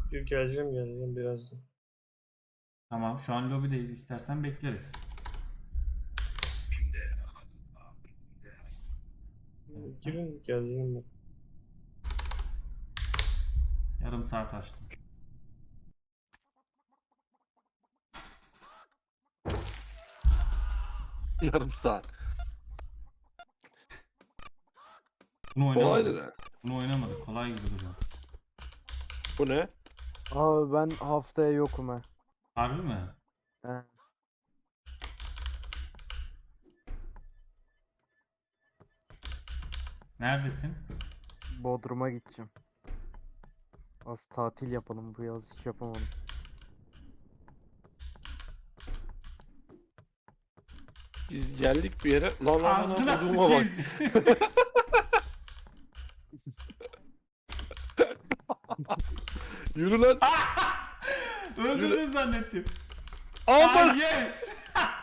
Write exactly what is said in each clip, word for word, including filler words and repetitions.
Geleceğim geleceğim birazdan. Tamam, şu an lobideyiz, istersen bekleriz. Girin geleceğim ben. Yarım saat açtım. Yarım saat. Bunu Kolaydır oynamadık. ha. Bunu oynamadık. Kolay gibi duruyor. Bu ne? Abi ben haftaya yokum ha. Harbi mi? He. Neredesin? Bodrum'a gideceğim. Az tatil yapalım bu yaz, hiç yapamadım. Biz geldik bir yere. Lan lan lan Ağzına lan Bodrum'a bak. sıçayım. Yürü lan. Öldürdün zannettim. Aman. Ah, yes.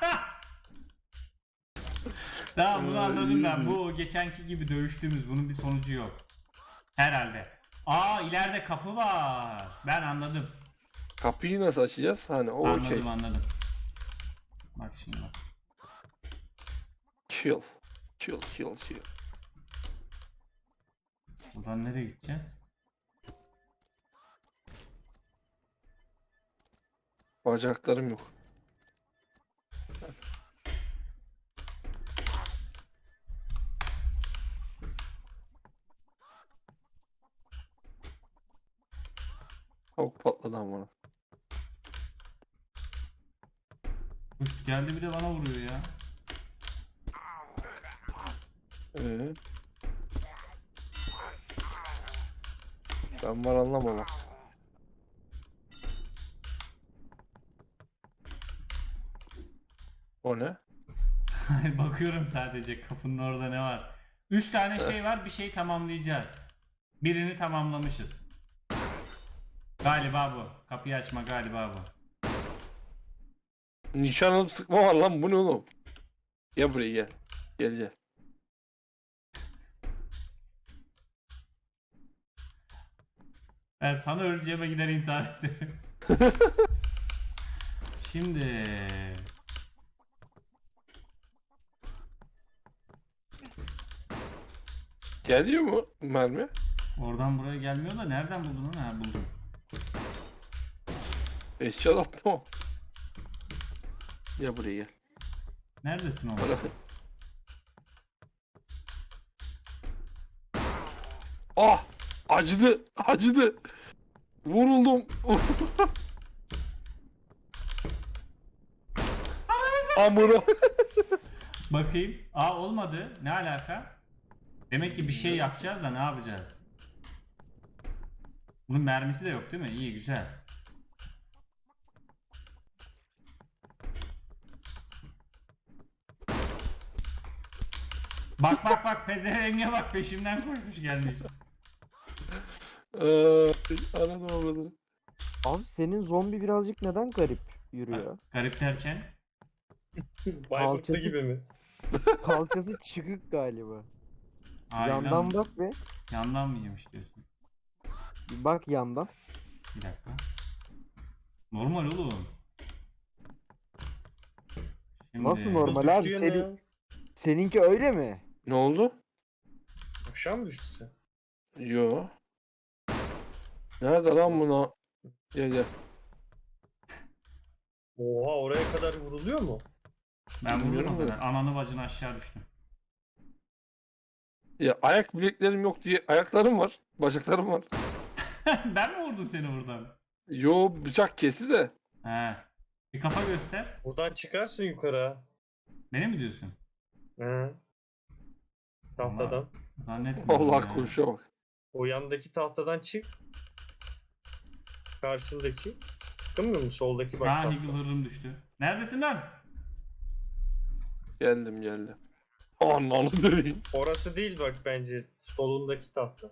Tamam, bunu anladım ben. Bu geçenki gibi dövüştüğümüz, bunun bir sonucu yok. Herhalde. Aa, ileride kapı var. Ben anladım. Kapıyı nasıl açacağız? Hani o Anladım okey. anladım. Bak şimdi bak. Chill. Chill chill chill. Buradan nereye gideceğiz? Bacaklarım yok. Tavuk patladı ama. Kuş geldi bir de bana vuruyor ya. Ee? Ben var anlamam. O ne? Bakıyorum sadece kapının orada ne var. Üç tane şey var, bir şey tamamlayacağız. Birini tamamlamışız. Galiba bu. Kapıyı açma galiba bu. Nişan alıp sıkma var lan, bu ne oğlum? Gel buraya gel. Gel gel. Ben sana öleceğime gider intihar ederim. Şimdi Geliyor mu mermi? oradan buraya gelmiyor da nereden buldun onu? Ha, buldum. Eşya atma o. Gel buraya gel. Neredesin oğlum? Bırak. Ah! Acıdı! Acıdı! Vuruldum! Amına! Bakayım. Aa, olmadı. Ne alaka? Demek ki bir şey yapacağız da ne yapacağız? Bunun mermisi de yok değil mi? İyi, güzel. Bak bak bak, pezevenge bak, peşimden koşmuş gelmiş. Eee, Ananı avradını. Abi senin zombi birazcık neden garip yürüyor? Garip derken? Bayburtlu Kalçası- gibi mi? Kalçası çıkık galiba. Aa, Yandan bak be. Yandan mı yemiş diyorsun? Bir bak yandan. Bir dakika. Normal oğlum. Şimdi... Nasıl normal Düştü abi? yine Seni, ya. seninki öyle mi? Ne oldu? Aşağı mı düştü sen? Yo. Nerede lan buna? Gel gel. Oha, oraya kadar vuruluyor mu? Ben Bilmiyorum vururum da. zaten. Ananı bacını aşağı düştüm. Ya ayak bileklerim yok diye ayaklarım var. Bacaklarım var. Ben mi vurdum seni buradan? Yo, bıçak kesi de. He. Bir kafa göster. Buradan çıkarsın yukarı ha. Beni mi diyorsun? He. Tahtadan. Zannetmiyorum Allah ya. konuşa bak. O yandaki tahtadan çık. Karşındaki. Çıkamıyor mu? Soldaki bak. Ha, tahta. Eagle hırrım düştü. Neredesin lan? Geldim geldim. Ananı döveyim. Orası değil bak bence. Solundaki tahta.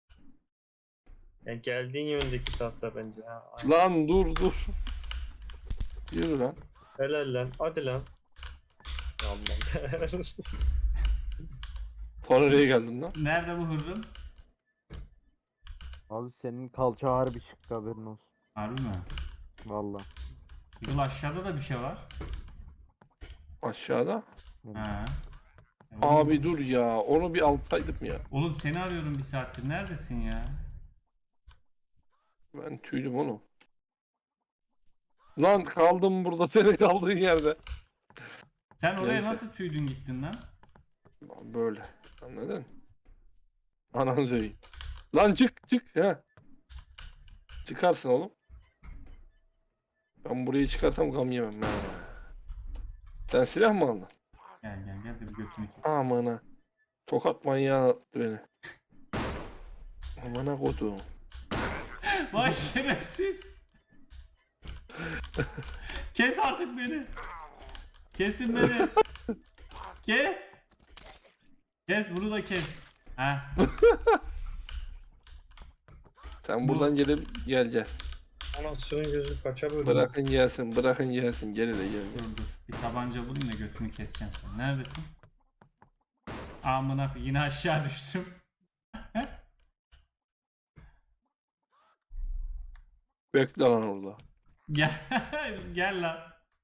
Yani geldiğin yöndeki tahta bence. Ha, aynen. Lan dur dur. Yürü lan. Helal lan. Hadi lan. Aman. Sonra nereye geldin lan? Nerede bu hırrım? Abi senin kalça harbi çıktı, haberin olsun. Harbi mi? Valla. Yıl aşağıda da bir şey var. Aşağıda. Ha. E oğlum- Abi dur ya. Onu bir alsaydım ya. Oğlum seni arıyorum bir saattir. Neredesin ya? Ben tüydüm oğlum. Lan kaldım burada senin kaldığın yerde. Sen oraya Neyse. nasıl tüydün gittin lan? Böyle. Anladın? Ananı söyleyeyim. Lan çık çık ha. Çıkarsın oğlum. Ben burayı çıkarsam gam yemem. Ha. Sen silah mı aldın? Gel gel gel de bir götünü kes. Aman ha. Tokat manyağı attı beni. Aman ha kodum. Vay şerefsiz. Kes artık beni. Kesin beni. Kes. Kes bunu da kes. Ha. Sen Bu- buradan gelip geleceksin. Anasının gözü kaça bölündü. Bırakın gelsin, bırakın gelsin. Gel de gel. Dur dur. Bir tabanca bulayım da götünü keseceğim sen. Neredesin? Amına koyayım, yine aşağı düştüm. Bekle lan orada. Gel. Gel lan.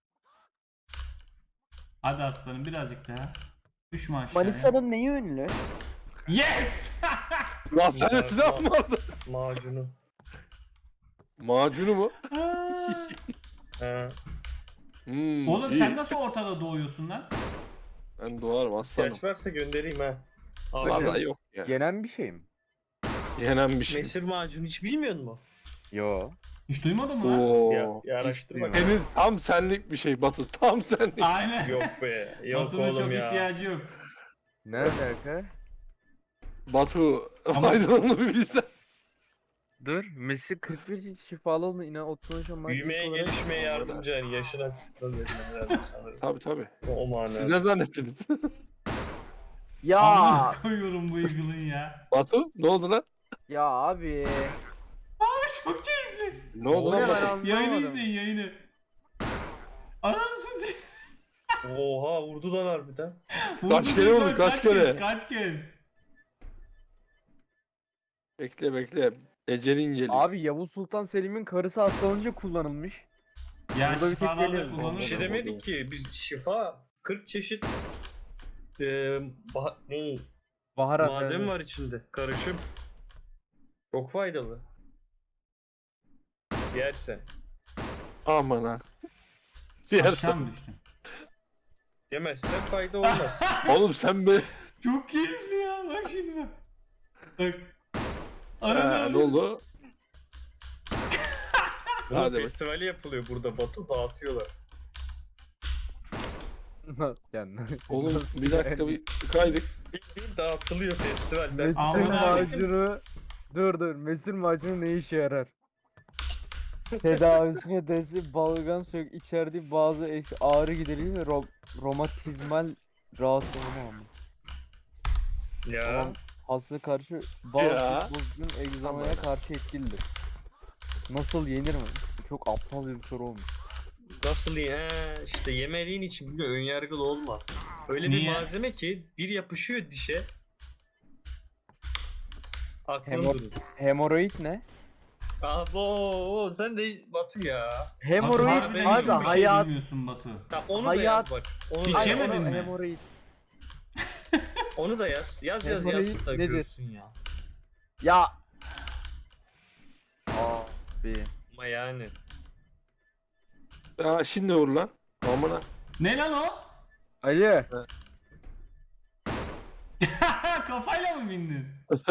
Hadi aslanım birazcık daha. Düşme aşağıya. Manisa'nın neyi ünlü? Yes! Lan sen silah mı aldın? Macunu. Macunu mu? He. Hmm, Oğlum iyi. sen nasıl ortada doğuyorsun lan? Ben doğarım aslanım. İhtiyaç varsa göndereyim ha. Abi, Vallahi yok ya. Yenen bir şey mi? Yenen bir şey. mesir macunu hiç bilmiyor musun? Yo. Hiç duymadın mı lan? Oo. Ya, ya araştır bak. Senin tam senlik bir şey Batu. Tam senlik. Aynen. Yok be. Yok Batu'nun oğlum çok ya. ihtiyacı yok. Ne alaka? Batu Ama- faydalı bir bilsen. Dur. Messi kırk bir şifalı oldu, yine otuz maddi Büyümeye olarak- gelişmeye yardımcı yani yaşın açısından dedim herhalde sanırım. Tabii tabii. O, o manada. Siz ne zannettiniz? Ya Amına koyuyorum bu Eagle'ın ya. Batu ne oldu lan? ya abi. Abi çok keyifli. Ne oldu O ne lan ben Batu? Yayını anlamadım. izleyin yayını. Ananı sizi. Oha vurdu lan harbiden. Kaç kere oldu, kaç kere? Kez, kaç kez? Bekle bekle. Ecelin geliyor. Abi Yavuz Sultan Selim'in karısı hastalanınca kullanılmış. Ya Burada bir tek şifalarla geliyor. Bir kullanırsın. şey demedik ki biz şifa kırk çeşit e, bah- ne Baharat. malzeme yani. var içinde. Karışım. Çok faydalı. Yersen. Aman ha. Yersen. Aşağı mı düştün? Yemezsen fayda olmaz. Oğlum sen be. Çok keyifli ya bak şimdi bak. Bak. Ha, Arada ne oldu? Bunun Hadi bak. festivali yapılıyor burada. Batu dağıtıyorlar. yani. Oğlum Nasıl bir dakika yani? bir kaydık. Bildiğin dağıtılıyor festival. Ben Mesir Amına- macunu. Dur dur. Mesir macunu ne işe yarar? Tedavisine destek balgam sök içerdiği bazı eş ağrı giderici ve ro- romatizmal rahatsızlığına ama. Ya. Tamam. Hasta karşı bazı Ya. bozgun egzamaya karşı etkilidir. Nasıl yenir mi? Çok aptal bir soru olmuş. Nasıl ya? İşte yemediğin için biliyor önyargılı olma. Öyle bir Niye? malzeme ki bir yapışıyor dişe. Aklın Hemo- durur. Hemoroid ne? Abo sen de Batu ya. Batu Hemoroid harbiden abi, hiçbir şey hayat bilmiyorsun Batu. Tamam onu da Hayat- yaz bak. Onu Hiç da Ay, yaz. yemedin onu mi? Hemoroid. Onu da yaz. Yaz yaz Hemoroid yaz da nedir? görsün ya. Ya. Abi. Ama yani. Ya şimdi vur lan. Aman ha. Ne lan o? Ali. Kafayla mı bindin?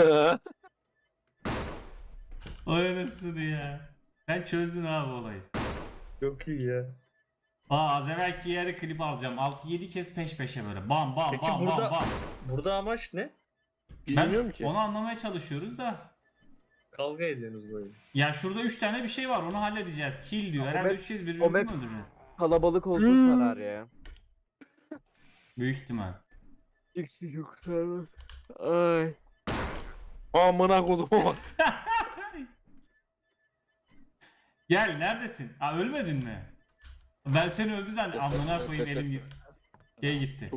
Ay anasını ya. Sen çözdün abi olayı. Çok iyi ya. Aa az evvelki yeri klip alacağım. altı yedi kez peş peşe böyle. Bam bam Peki bam burada- bam bam. Burada amaç ne? Bilmiyorum Ben ki. onu anlamaya çalışıyoruz da. Kavga ediyorsunuz böyle. Ya şurada üç tane bir şey var onu halledeceğiz. Kill diyor. O Herhalde map- üç kez o birbirimizi map- mi öldüreceğiz? Kalabalık olsa Hmm. sarar ya. Büyük ihtimal. İkisi yok sarmaz. Ay. Amına koduma bak. Gel neredesin? Aa ölmedin mi? Ben seni öldü zannettim. Ses Amına etme, koyayım ses elim etme. gitti. Şey gitti.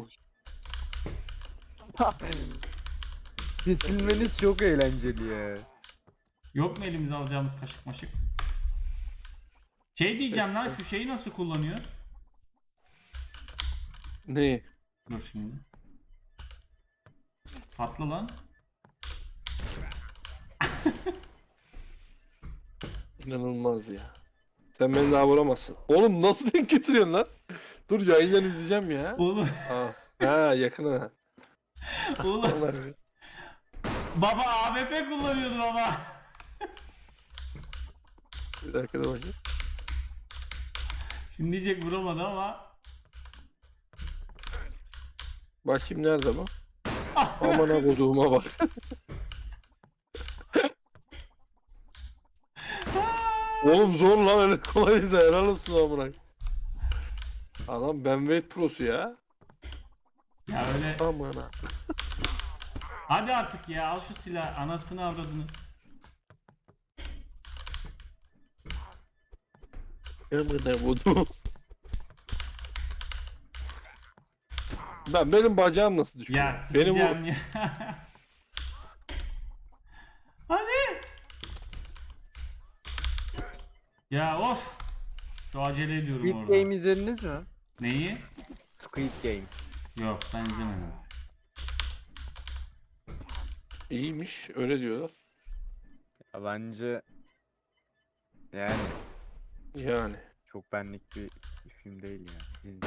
Kesilmeniz çok eğlenceli ya. Yok mu elimize alacağımız kaşık maşık? Şey diyeceğim lan, Test. şu şeyi nasıl kullanıyoruz? Ne? Dur şimdi. Patla lan. İnanılmaz ya. Sen beni daha vuramazsın. Oğlum nasıl denk getiriyorsun lan? Dur yayından izleyeceğim ya. Oğlum, Ha, ha yakına. oğlum. Vallahi. Baba A W P kullanıyordu baba. Bir dakika da bakayım. Şimdi diyecek vuramadı ama. Bakayım nerede bu? Aman ha koduğuma bak. Oğlum zor lan öyle kolay değil. Helal olsun amına. Adam Benweight Pro'su ya. Ya öyle. Aman ha. Hadi artık ya, al şu silah, anasını avradını. Amına kodum. Ben benim bacağım nasıl düşüyor? Ya Benim sikeceğim bu ya. Hadi. Ya of. Şu acele ediyorum Squid orada. Game izlediniz mi? Neyi? Squid Game. Yok, ben izlemedim. iyiymiş öyle diyorlar. Ya bence yani Yani. çok benlik bir film değil ya. Dizi.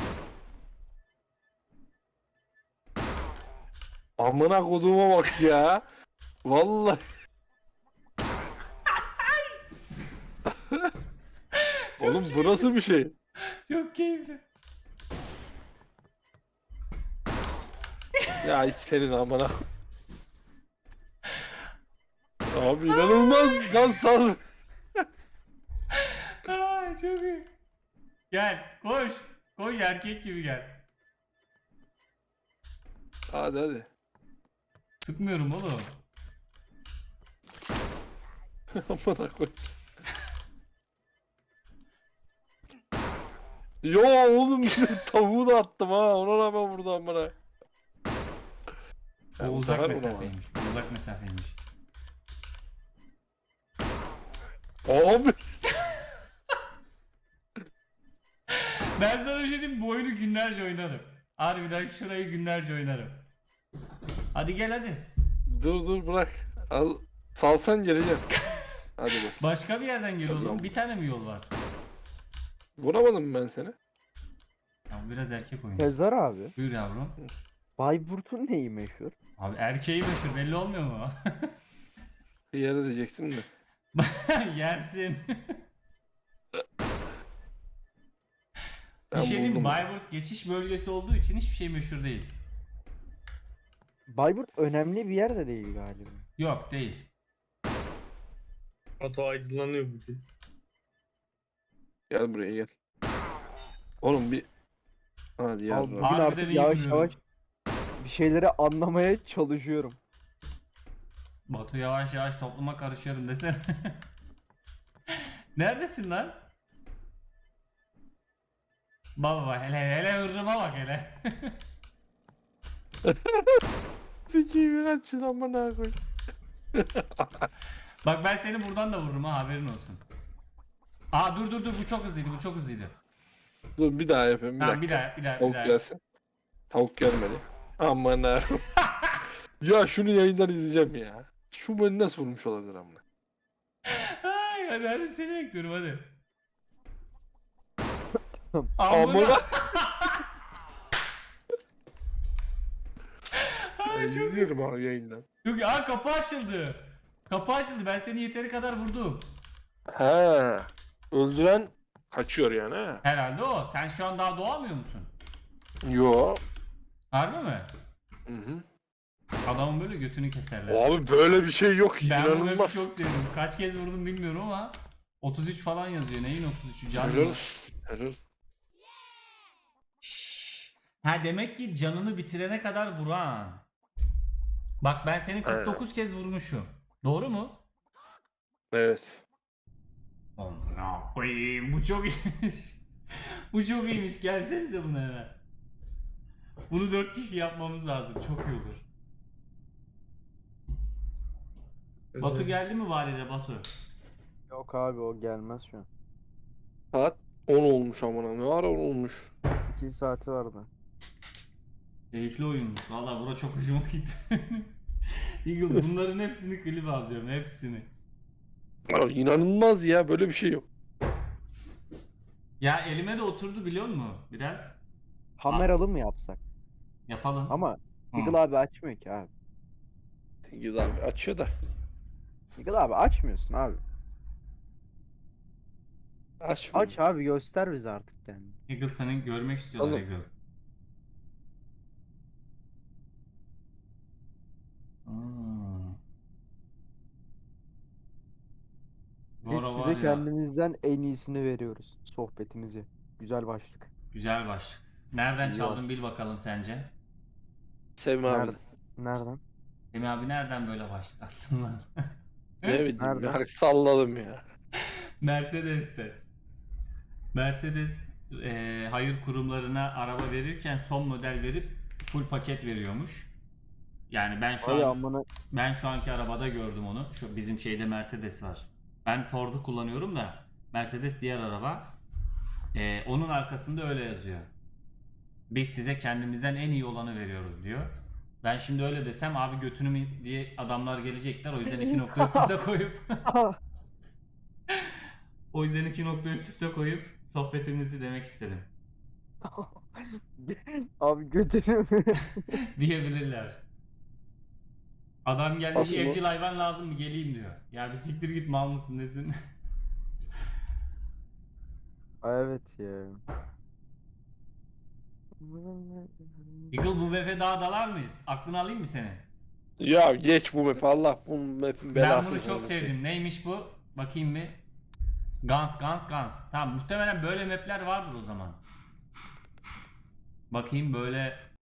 Amına koduğuma bak ya. Vallahi. Oğlum bu nasıl bir şey? Çok keyifli. Ya senin amına. Abi inanılmaz lan sal. Ay çok iyi. Gel, koş. Koş, erkek gibi gel. Hadi hadi. Sıkmıyorum oğlum. Amına koy. Yo oğlum tavuğu da attım ha ona rağmen vurdu amına. O Ya bu uzak sefer vuramadı. mesafeymiş. Bu uzak mesafeymiş. Abi. Ben sana bir şey diyeyim mi? Bu oyunu günlerce oynarım. Harbiden şurayı günlerce oynarım. Hadi gel hadi. Dur dur bırak. Al, salsan geleceğim. Hadi bak. Başka bir yerden gel oğlum. Tamam. Bir tane mi yol var? Vuramadım mı ben seni? Ya bu biraz erkek oyunu. Sezar abi. Buyur yavrum. Bayburt'un neyi meşhur? Abi erkeği meşhur, belli olmuyor mu? Bir yere diyecektim de. Yersin. Ben Bir şey diyeyim mi? buldum. Bayburt geçiş bölgesi olduğu için hiçbir şey meşhur değil. Bayburt önemli bir yer de değil galiba. Yok, değil. Oto aydınlanıyor bugün. Gel buraya gel. Oğlum bir... Hadi ya. Abi bugün Harbiden artık iyi yavaş vuruyorum. yavaş bir şeyleri anlamaya çalışıyorum. Batu yavaş yavaş topluma karışıyorum desene. Neredesin lan? Baba hele hele hırrıma bak hele. Sikiyim kaçın amına koy. Bak ben seni buradan da vururum ha, haberin olsun. Aa dur dur dur, bu çok hızlıydı, bu çok hızlıydı. Dur bir daha yapayım bir Tamam, dakika. bir daha bir daha bir Tavuk daha. gelsin. Tavuk gelmedi. Aman ha. Ya şunu yayından izleyeceğim ya. Şu beni nasıl vurmuş olabilir amına? Ay, hadi hadi seni bekliyorum hadi. Amına. Amına. Ben izliyorum abi yayından. Yok, aa kapı açıldı. Kapı açıldı, ben seni yeteri kadar vurdum. He. Öldüren kaçıyor yani ha. Herhalde o. Sen şu an daha doğamıyor musun? Yo. Harbi mi? Hı hı. Adamın böyle götünü keserler. Abi böyle bir şey yok. Ben bu map'i İnanılmaz. çok sevdim. Kaç kez vurdum bilmiyorum ama otuz üç falan yazıyor. Neyin otuz üçü? Can Helal. mı? Helal. Ha demek ki canını bitirene kadar vuran. Bak ben seni kırk dokuz kez vurmuşum. Doğru mu? Evet. Amına koyayım, bu çok iyiymiş. Bu çok iyiymiş. Gelsenize buna hemen. Bunu dört kişi yapmamız lazım. Çok iyi olur. Batu geldi mi valide Batu? Yok abi o gelmez şu an. Saat on olmuş amına. Ne ara on olmuş? iki saati vardı. Keyifli oyunmuş. Valla bura çok hoşuma gitti. Eagle bunların hepsini klip alacağım. Hepsini. Ya, inanılmaz ya, böyle bir şey yok. Ya elime de oturdu biliyor musun? Biraz. Kameralı mı yapsak? Yapalım. Ama Hı. Eagle abi açmıyor ki abi. Güzel abi açıyor da. Eagle abi açmıyorsun abi. Açmıyor. Aç abi göster bize artık yani. Eagle senin görmek istiyorlar Oğlum. Eagle. Hmm. Bu Biz ara var size ya, kendimizden en iyisini veriyoruz sohbetimizi. Güzel başlık. güzel başlık. Nereden İyi çaldın bil bakalım sence? Sevme abi. Nerede? Nereden? Semih abi nereden böyle başlık atsın lan? Ne bileyim Nereden? ya, salladım ya. Mercedes'te. Mercedes e, hayır kurumlarına araba verirken son model verip full paket veriyormuş. Yani ben şu Ay an amına. ben şu anki arabada gördüm onu. Şu bizim şeyde Mercedes var. Ben Ford'u kullanıyorum da Mercedes diğer araba. E, onun arkasında öyle yazıyor. Biz size kendimizden en iyi olanı veriyoruz diyor. Ben şimdi öyle desem abi götünü mü diye adamlar gelecekler. O yüzden iki nokta üst üste koyup o yüzden iki nokta üst üste koyup sohbetimizi demek istedim. Abi götünü mü? Diyebilirler. Adam gelmiş Aslında- evcil hayvan lazım mı geleyim diyor. Ya bir siktir git mal mısın desin. Ay, evet ya. Eagle bu mefe daha dalar mıyız? Aklını alayım mı senin? Ya geç bu map, Allah bu map'in Ben belası. bunu çok sevdim. Neymiş bu? Bakayım bir. Guns Guns Guns. Tamam muhtemelen böyle mapler vardır o zaman. Bakayım böyle